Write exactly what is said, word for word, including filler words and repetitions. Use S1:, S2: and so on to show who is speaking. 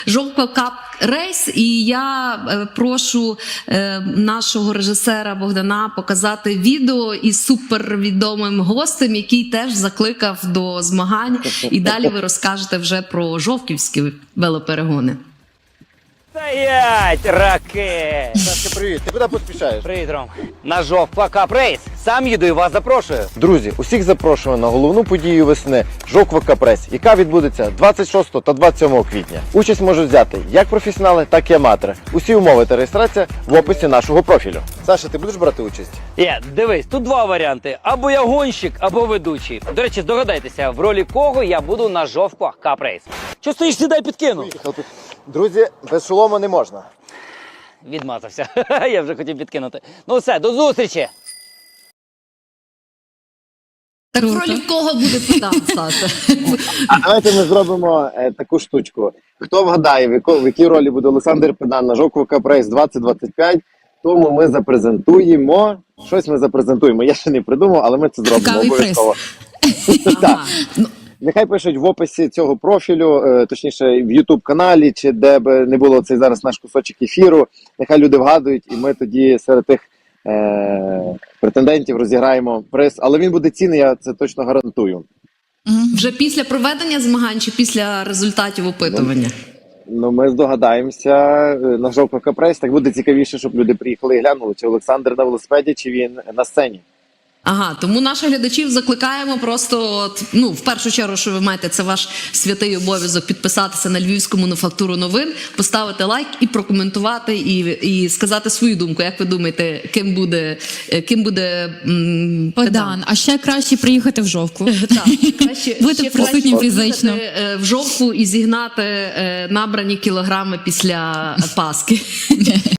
S1: Жовква Кап рейс, і я е, прошу е, нашого режисера Богдана показати відео із супервідомим гостем, який теж закликав до змагань. І далі ви розкажете вже про жовківські велоперегони.
S2: Стоять, ракет!
S3: Сашка, привіт. Ти куди поспішаєш?
S2: Привіт, Ром. На Жовква Кап рейс. Сам їду і вас запрошую.
S3: Друзі, усіх запрошуємо на головну подію весни Жовква Кап рейс, яка відбудеться двадцять шостого та двадцять сьомого квітня. Участь можуть взяти як професіонали, так і аматори. Усі умови та реєстрація в описі нашого профілю. Саша, ти будеш брати участь?
S2: Є, дивись, тут два варіанти. Або я гонщик, або ведучий. До речі, здогадайтеся, в ролі кого я буду на Жовква Кап рейс. Що стоїш, сідай, підкину.
S3: Друзі, без шолома не можна.
S2: Відмазався. Я вже хотів підкинути. Ну все, до зустрічі.
S1: Так в ролі кого буде Богдан, Саша?
S3: А давайте ми зробимо е, таку штучку. Хто вгадає, в, яко, в якій ролі буде Олександр Педан на Жовква Кап рейс двадцять двадцять п'ять, тому ми запрезентуємо. Щось ми запрезентуємо. Я ще не придумав, але ми це зробимо
S4: Цікавий
S3: обов'язково.
S1: Ага. Ну,
S3: Нехай пишуть в описі цього профілю, е, точніше в ютуб-каналі, чи де б не було цей зараз наш кусочок ефіру. Нехай люди вгадують, і ми тоді серед тих е, претендентів розіграємо приз. Але він буде цінний, я це точно гарантую.
S1: вже після проведення змагань чи після результатів опитування?
S3: Ну, ми здогадаємося е, на Жовква Кап рейс. Так буде цікавіше, щоб люди приїхали і глянули, чи Олександр на велосипеді, чи він на сцені.
S1: Ага, тому наших глядачів закликаємо просто, от, ну, в першу чергу, що ви маєте, це ваш святий обов'язок підписатися на Львівську мануфактуру новин, поставити лайк і прокоментувати, і, і сказати свою думку. Як ви думаєте, ким буде, ким буде м,
S4: Богдан, а ще краще приїхати в Жовкву.
S1: Так, краще,
S4: Бути
S1: ще
S4: присутнім
S1: краще
S4: фізично.
S1: приїхати, е, в Жовкву і зігнати е, набрані кілограми після Пасхи.